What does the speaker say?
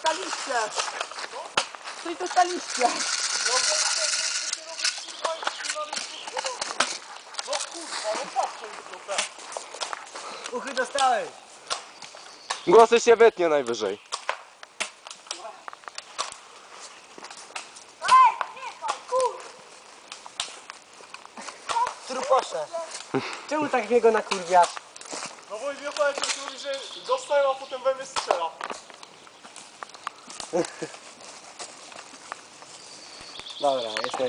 staliście? Stój tu staliście. No kurwa, no patrzę już trochę. Uchy dostałeś. Głosy się wytnie najwyżej. Truposze. Czemu tak mnie go nakurwiasz? No bo wie pan, jak mówi, że dostaję, a potem we mnie strzela. Dobra, jestem.